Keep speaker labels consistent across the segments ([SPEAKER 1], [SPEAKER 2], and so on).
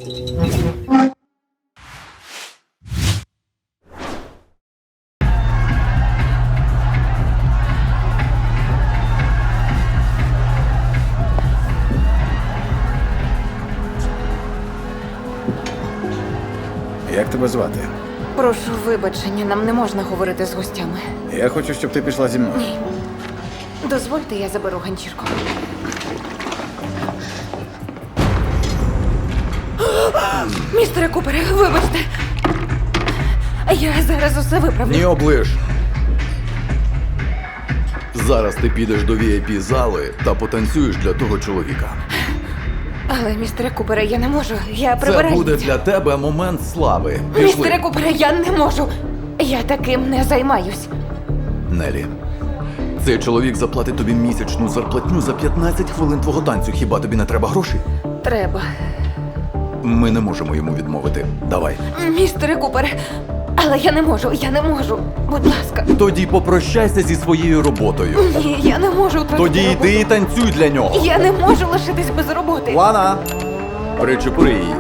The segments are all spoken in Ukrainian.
[SPEAKER 1] Як тебе звати?
[SPEAKER 2] Прошу вибачення, нам не можна говорити з гостями.
[SPEAKER 1] Я хочу, щоб ти пішла зі мною.
[SPEAKER 2] Ні. Дозвольте, я заберу ганчірку. Містере Купере, вибачте. Я зараз усе виправлю.
[SPEAKER 3] Ні оближ. Зараз ти підеш до VIP-зали та потанцюєш для того чоловіка.
[SPEAKER 2] Але, містере Купере, я не можу. Я
[SPEAKER 3] Це
[SPEAKER 2] прибираю.
[SPEAKER 3] буде для тебе момент слави. Пішли.
[SPEAKER 2] Містере Купере, я не можу. Я таким не займаюсь.
[SPEAKER 3] Нелі, цей чоловік заплатить тобі місячну зарплатню за 15 хвилин твого танцю. Хіба тобі не треба грошей?
[SPEAKER 2] Треба.
[SPEAKER 3] Ми не можемо йому відмовити. Давай.
[SPEAKER 2] Містере Купере, але я не можу. Будь ласка.
[SPEAKER 3] Тоді попрощайся зі своєю роботою.
[SPEAKER 2] Ні, я не можу втратити
[SPEAKER 3] Тоді
[SPEAKER 2] роботу.
[SPEAKER 3] йди і танцюй для нього.
[SPEAKER 2] Я не можу лишитись без роботи.
[SPEAKER 3] Лана! Причепури її.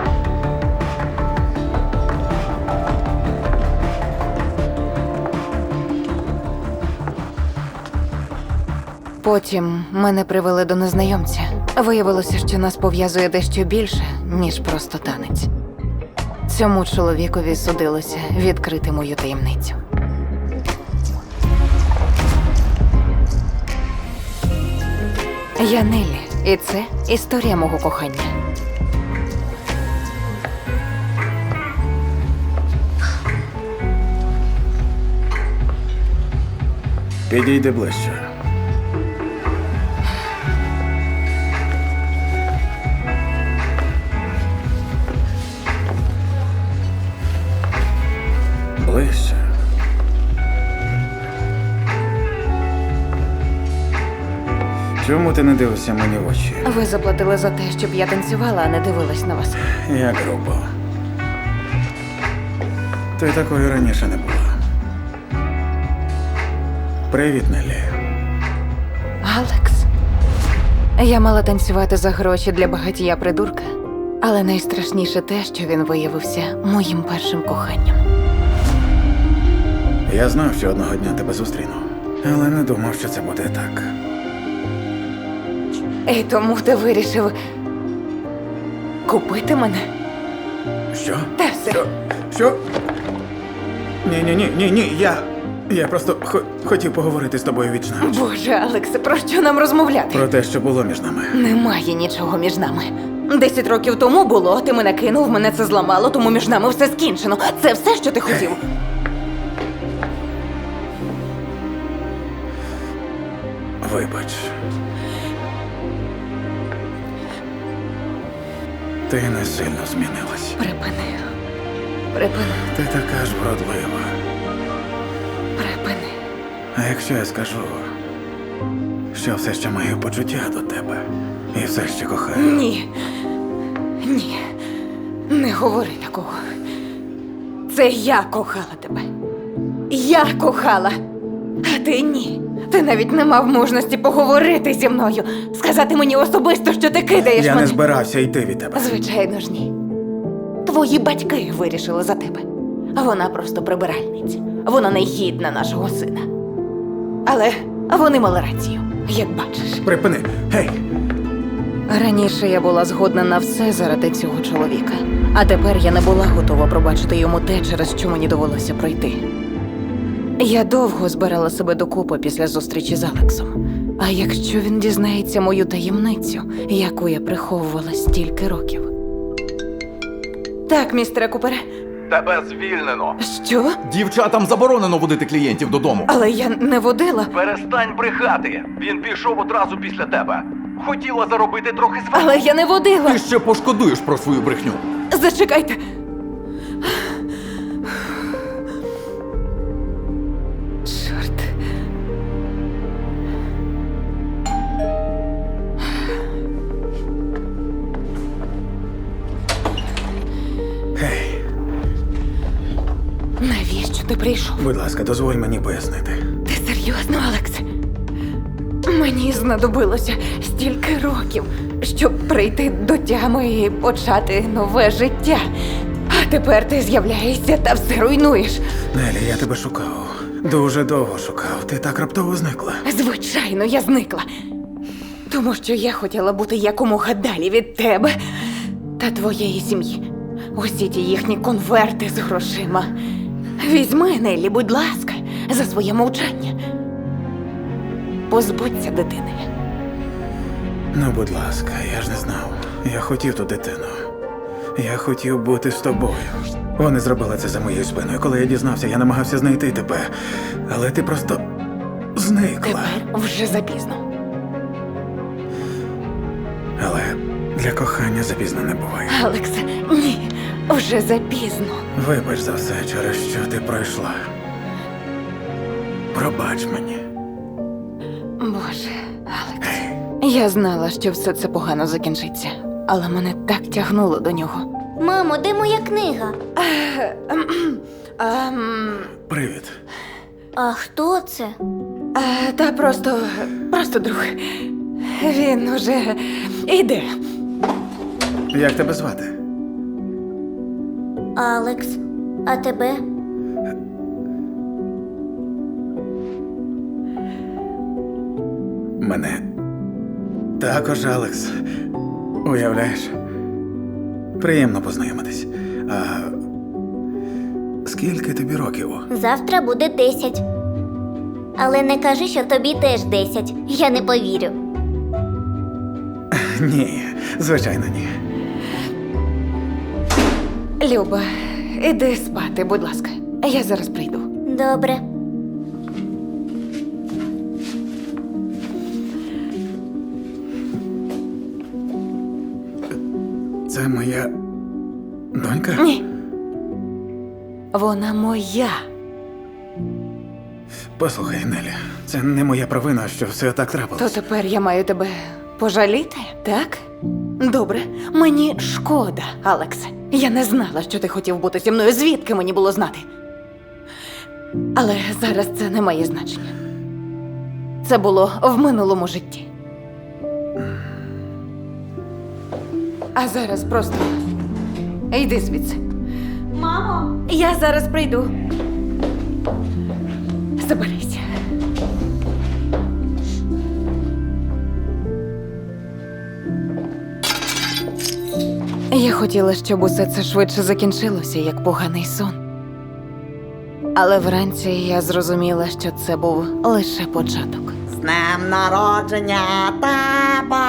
[SPEAKER 2] Потім мене привели до незнайомця. Виявилося, що нас пов'язує дещо більше, ніж просто танець. Цьому чоловікові судилося відкрити мою таємницю. Я Нелі, і це історія мого кохання.
[SPEAKER 1] Підійди ближче. Ближче. Чому ти не дивишся мені в очі?
[SPEAKER 2] Ви заплатили за те, щоб я танцювала, а не дивилась на вас.
[SPEAKER 1] Як грубо. Ти такою раніше не була. Привіт, Нелі.
[SPEAKER 2] Алекс. Я мала танцювати за гроші для багатія придурка, але найстрашніше те, що він виявився моїм першим коханням.
[SPEAKER 1] Я знав, що одного дня тебе зустріну, але не думав, що це буде так.
[SPEAKER 2] І тому ти вирішив купити мене?
[SPEAKER 1] Що?
[SPEAKER 2] Та все.
[SPEAKER 1] Що? Ні. Я просто хотів поговорити з тобою вічно.
[SPEAKER 2] Боже, Алексе, про що нам розмовляти?
[SPEAKER 1] Про те, що було між нами.
[SPEAKER 2] Немає нічого між нами. 10 років тому було, ти мене кинув, мене це зламало, тому між нами все скінчено. Це все, що ти хотів?
[SPEAKER 1] Вибач. Ти не сильно змінилась.
[SPEAKER 2] Припини.
[SPEAKER 1] Ти така ж вродлива.
[SPEAKER 2] Припини.
[SPEAKER 1] А якщо я скажу, що все ще маю почуття до тебе і все ще кохаю?
[SPEAKER 2] Ні. Не говори такого. Це я кохала тебе. Я кохала. А ти ні. Ти навіть не мав мужності поговорити зі мною. Сказати мені особисто, що ти кидаєш
[SPEAKER 1] Я
[SPEAKER 2] мене.
[SPEAKER 1] не збирався йти від тебе.
[SPEAKER 2] Звичайно ж ні. Твої батьки вирішили за тебе. А вона просто прибиральниця. Вона не гідна нашого сина. Але вони мали рацію, як бачиш.
[SPEAKER 1] Припини! Гей!
[SPEAKER 2] Раніше я була згодна на все заради цього чоловіка. А тепер я не була готова пробачити йому те, через що мені довелося пройти. Я довго збирала себе докупи після зустрічі з Алексом. А якщо він дізнається мою таємницю, яку я приховувала стільки років? Так, містере Купере.
[SPEAKER 3] Тебе звільнено.
[SPEAKER 2] Що?
[SPEAKER 3] Дівчатам заборонено водити клієнтів додому.
[SPEAKER 2] Але я не водила.
[SPEAKER 3] Перестань брехати. Він пішов одразу після тебе. Хотіла заробити трохи
[SPEAKER 2] Але я не водила.
[SPEAKER 3] Ти ще пошкодуєш про свою брехню.
[SPEAKER 2] Зачекайте. Чорт.
[SPEAKER 1] Гей!
[SPEAKER 2] Навіщо ти прийшов?
[SPEAKER 1] Будь ласка, дозволь мені пояснити.
[SPEAKER 2] Ти серйозно, Алекс? Мені знадобилося стільки років, щоб прийти до тями і почати нове життя. А тепер ти з'являєшся та все руйнуєш.
[SPEAKER 1] Нелі, я тебе шукав. Дуже довго шукав. Ти так раптово зникла.
[SPEAKER 2] Звичайно, я зникла. Тому що я хотіла бути якомога далі від тебе та твоєї сім'ї. Усі ті їхні конверти з грошима. Візьми, Неллі, будь ласка, за своє мовчання. Позбудься дитини.
[SPEAKER 1] Ну, будь ласка, я ж не знав. Я хотів ту дитину. Я хотів бути з тобою. Вони зробили це за моєю спиною. Коли я дізнався, я намагався знайти тебе. Але ти просто зникла.
[SPEAKER 2] Тепер вже запізно.
[SPEAKER 1] Але для кохання запізно не буває.
[SPEAKER 2] Алексе, ні, вже запізно.
[SPEAKER 1] Вибач за все, через що ти пройшла. Пробач мені.
[SPEAKER 2] Боже, Алекс. Я знала, що все це погано закінчиться, але мене так тягнуло до нього.
[SPEAKER 4] Мамо, де моя книга?
[SPEAKER 1] Привіт.
[SPEAKER 4] А хто це?
[SPEAKER 2] Та просто друг. Він уже іде.
[SPEAKER 1] Як тебе звати?
[SPEAKER 4] Алекс. А тебе?
[SPEAKER 1] Мене також Алекс. Уявляєш? Приємно познайомитись. А скільки тобі років?
[SPEAKER 4] Завтра буде 10. Але не кажи, що тобі теж 10. Я не повірю.
[SPEAKER 1] Ні, звичайно, ні.
[SPEAKER 2] Люба, іди спати, будь ласка. Я зараз прийду.
[SPEAKER 4] Добре.
[SPEAKER 1] Це моя донька?
[SPEAKER 2] Ні. Вона моя.
[SPEAKER 1] Послухай, Нелі, це не моя провина, що все так
[SPEAKER 2] То
[SPEAKER 1] трапилось.
[SPEAKER 2] тепер я маю тебе пожаліти, так? Добре, мені шкода, Алексе. Я не знала, що ти хотів бути зі мною. Звідки мені було знати? Але зараз це не має значення. Це було в минулому житті. А зараз просто йди звідси.
[SPEAKER 4] Мамо!
[SPEAKER 2] Я зараз прийду. Заберися. Я хотіла, щоб усе це швидше закінчилося, як поганий сон. Але вранці я зрозуміла, що це був лише початок.
[SPEAKER 5] З днем народження тебе!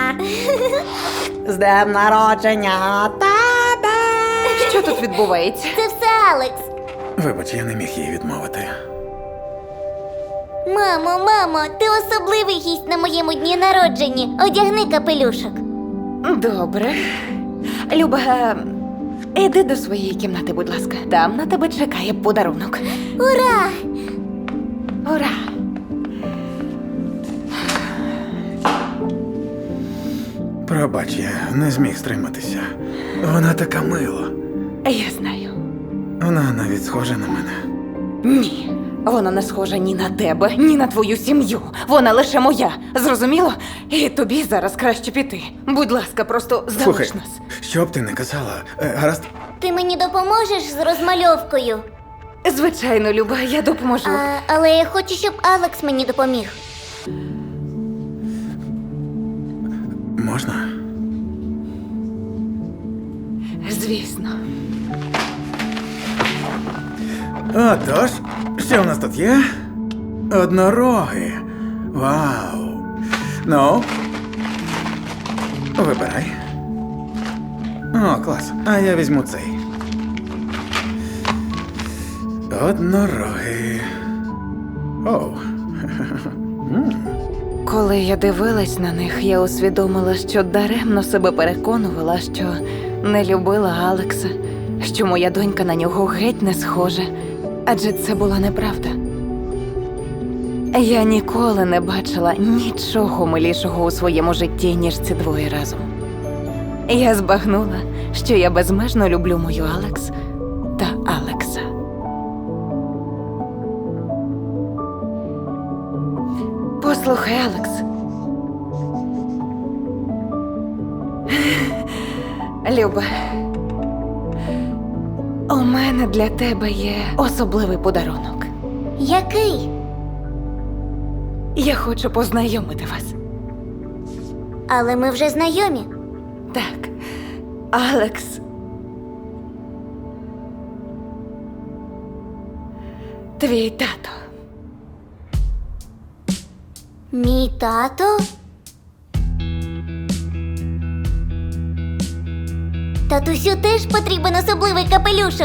[SPEAKER 5] З днем народження тебе!
[SPEAKER 2] Що тут відбувається?
[SPEAKER 4] Це все Алекс.
[SPEAKER 1] Вибач, я не міг їй відмовити.
[SPEAKER 4] Мамо, ти особливий гість на моєму дні народження. Одягни капелюшок.
[SPEAKER 2] Добре. Люба, іди до своєї кімнати, будь ласка. Там на тебе чекає подарунок.
[SPEAKER 4] Ура!
[SPEAKER 2] Ура!
[SPEAKER 1] Пробач, я не зміг стриматися. Вона така мила.
[SPEAKER 2] Я знаю.
[SPEAKER 1] Вона навіть схожа на мене.
[SPEAKER 2] Ні. Вона не схожа ні на тебе, ні на твою сім'ю. Вона лише моя. Зрозуміло? І тобі зараз краще піти. Будь ласка, просто
[SPEAKER 1] Слухай,
[SPEAKER 2] залиш нас.
[SPEAKER 1] що б ти не казала, гаразд,
[SPEAKER 4] Ти мені допоможеш з розмальовкою?
[SPEAKER 2] Звичайно, Люба, я допоможу.
[SPEAKER 4] Але я хочу, щоб Алекс мені допоміг.
[SPEAKER 1] можна?
[SPEAKER 2] Звісно.
[SPEAKER 1] Отож, що в нас тут є? Однороги. Вау. Ну, вибирай. О, клас. А я візьму цей. Однороги. Оу.
[SPEAKER 2] Коли я дивилась на них, я усвідомила, що даремно себе переконувала, що не любила Алекса, що моя донька на нього геть не схожа. Адже це була неправда. Я ніколи не бачила нічого милішого у своєму житті, ніж ці двоє разом. Я збагнула, що я безмежно люблю мою Алекс та Алекса. Послухай, Алекс. Люба, у мене для тебе є особливий подарунок.
[SPEAKER 4] Який?
[SPEAKER 2] Я хочу познайомити вас.
[SPEAKER 4] Але ми вже знайомі.
[SPEAKER 2] Так, Алекс. Твій тато.
[SPEAKER 4] Мій тато? Татусю теж потрібен особливий капелюшок.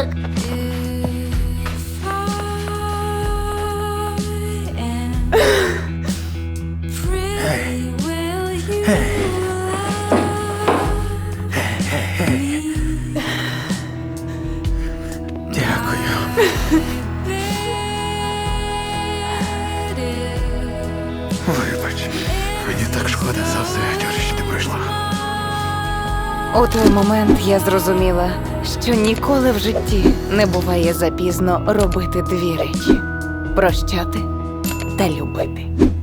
[SPEAKER 1] Дякую. Вибач, мені так шкода за все, через що ти пройшла.
[SPEAKER 2] У той момент я зрозуміла, що ніколи в житті не буває запізно робити дві речі: прощати та любити.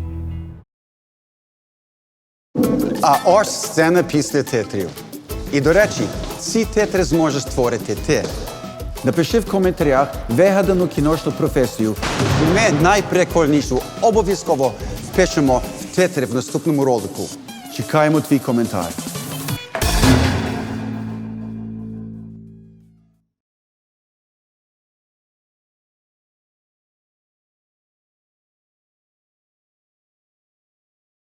[SPEAKER 6] А ось сцена після титрів. І, до речі, ці титри зможеш створити ти. Напиши в коментарях вигадану кіношну професію. І ми найприкольнішу обов'язково впишемо в титри в наступному ролику. Чекаємо твій коментар.